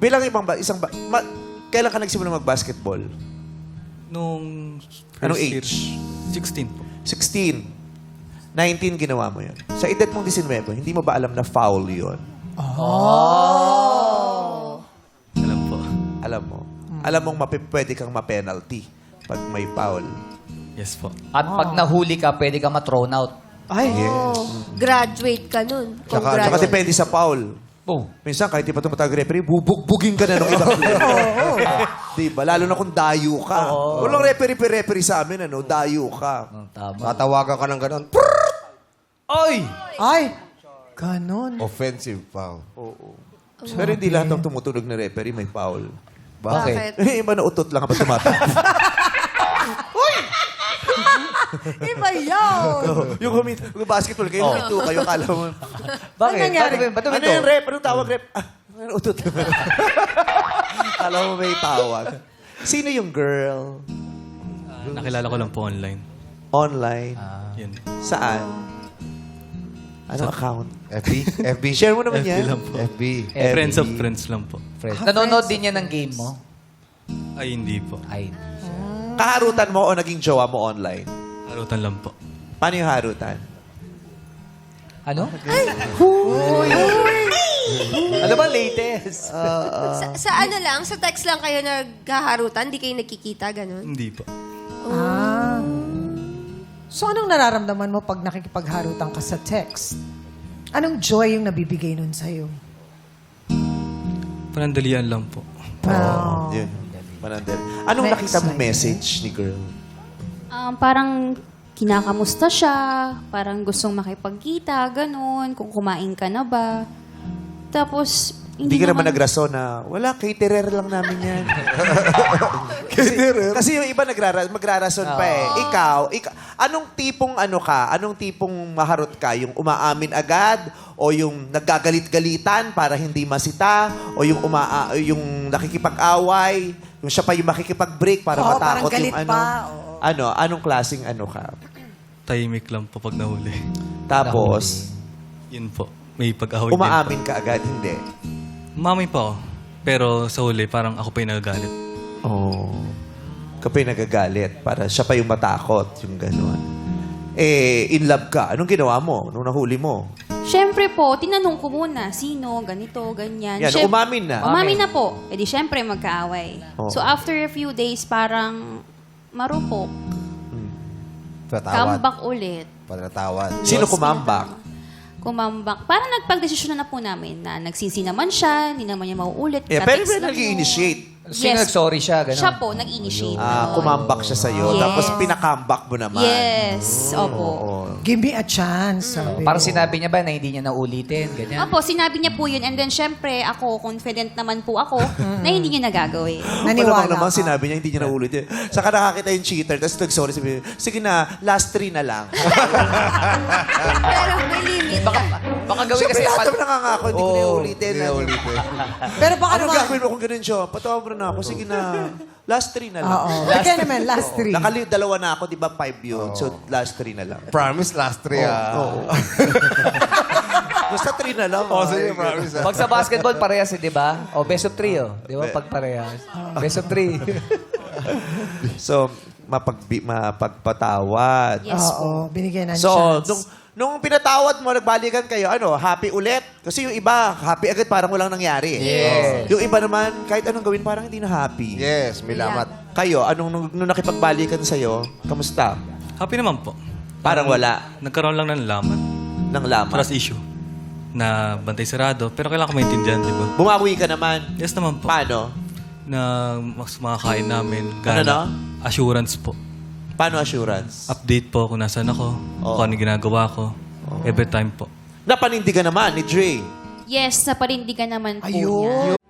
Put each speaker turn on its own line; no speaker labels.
Bilang kailan ka nagsimula mag-basketball?
Nung
Anong
first year,
age?
16 po.
16. 19 ginawa mo yun. Sa edad mong 19, hindi mo ba alam na foul yun?
Alam po.
Alam mo. Alam mong pwede kang ma-penalty pag may foul.
Yes po.
At pag nahuli ka, pwede ka ma-thrown out.
Ay,
Graduate ka nun. Kung
Saka
graduate.
depende sa foul.
Oh.
Minsan, kahit di pa tumatag referee, bubugbugin ka na ng ibang player. Diba? Lalo na kung dayo ka. Walang referee sa amin, ano? Dayo ka.
Tama.
Tatawagan ka ng ganon.
Oy!
ay, ganon.
Offensive foul.
Pero hindi lahat ng tumutunog na referee may foul.
Bakit?
Iba na utot lang kapag tumatag.
Iba yun.
yung basketball kayo, ito kayo, kala mo.
Bakit?
Ano nangyari?
Ba't
Ano yung rep? Anong tawag rep? Utot. Kala mo may tawag. Sino yung girl?
Nakilala ko lang po online.
Online?
Yun.
Saan? Anong account?
FB? FB?
Share mo naman
FB
yan.
lang po.
FB.
Friends of friends lang po.
Nanonood din yan ng game mo?
Ay, hindi po.
Ay.
Kaharutan mo o naging jowa mo online?
Harutan lang po.
Paano yung harutan?
Ano? Ano ba latest?
Sa ano lang, sa text lang kayo naghaharutan? Di kayo nagkikita, ganun?
Hindi po.
Ah. So, anong nararamdaman mo pag nakikipagharutan ka sa text? Anong joy yung nabibigay nun sa'yo?
Panandalian lang po.
Wow.
Yun. Panandel. Anong
Next
nakita mong
slide.
message ni girl?
Parang kinakamusta siya, parang gustong makipagkita, ganun, kung kumain ka na ba. Tapos,
Hindi ka naman nagrason na, wala, caterer lang namin yan. caterer? Kasi yung iba magrarason pa eh. Ikaw, anong tipong ano ka? Anong tipong maharot ka? Yung umaamin agad? O yung naggagalit-galitan para hindi masita? O yung yung nakikipag-away? Yung siya pa yung makikipag-break para
Oo,
matakot
parang galit
yung ano?
pa, oo.
Ano? Anong klaseng ano ka?
Tahimik lang po pag nahuli.
Tapos,
Yun po. May pag-ahoy din po.
umaamin ka agad? Hindi.
Umamay pa ako. Pero sa huli, parang ako pa yung nagagalit.
Oh. Kapag nagagalit, para siya pa yung matakot, yung gano'n. In love ka. Anong ginawa mo nung nahuli mo?
syempre po, tinanong ko muna, sino, ganito, ganyan.
Yan, umamin na.
Umamin na po. E di syempre magkaaway.
Oo.
So after a few days, parang marupok.
Patawad.
Comeback ulit.
Patawad.
Sino kumambak?
Kumambak. Parang nagpagdesisyon na po namin na nagsisi naman siya, hindi naman niya mauulit.
Pero
Ka-text lang
nag-i-initiate.
Sino nag-sorry siya? Ganun.
Siya po, nag-initiate.
Kumambak siya sa'yo.
Yes.
Tapos pinakambak mo naman.
Yes. Opo.
Oo.
Give me a chance, sabi.
Parang sinabi niya ba na hindi niya naulitin? Ganyan.
Opo, sinabi niya po yun. And then, syempre, ako, confident naman po ako na hindi niya nagagawin.
Naniwala
naman
ka.
sinabi niya, hindi niya naulit yun. Saka nakakita yung cheater, tapos nag-sorry, sabi niya, sige na, last 3 na lang.
Pero may limit.
Baka gawin
Siyempre,
kasi...
lahat naman nakangako, hindi ko na ulitin.
Hindi na ulitin.
Pero baka
Anong
naman.
gagawin mo kung ganun siya? Patawag na ako, sige na, last 3 na lang.
Oo. Kaya naman, last three.
Dalawa na ako, di ba 5 yun? So, last 3 na lang.
Promise last 3
Oo. Basta 3 na lang.
Oh, sige, promise.
Pag sa basketball, parehas eh, di ba? O, best of 3, oh. Di ba? Pag parehas. Best of 3.
So, mapagpatawad.
Yes po.
Oo, binigyan ng
So,
chance.
nung pinatawad mo, nagbalikan kayo, happy ulit? Kasi yung iba, happy agad, parang walang nangyari.
Yes.
Yung iba naman, kahit anong gawin, parang hindi na happy.
Yes, may lamat.
Kayo, nung nakipagbalikan sa'yo, kamusta?
Happy naman po.
Parang wala
Nagkaroon lang ng laman.
ng laman.
Trust issue. Na bantay sarado. Pero kailangan ko maintindihan, di ba?
Bumawi ka naman.
Yes naman po.
Paano?
Na mas makakain namin.
Ano?
Assurance po.
Paano assurance?
Update po kung nasaan ako.
Oo.
Kung ano ginagawa ko. Every time po.
Napanindigan naman ni Dre.
Yes, naparindigan naman po
Ayun.
niya.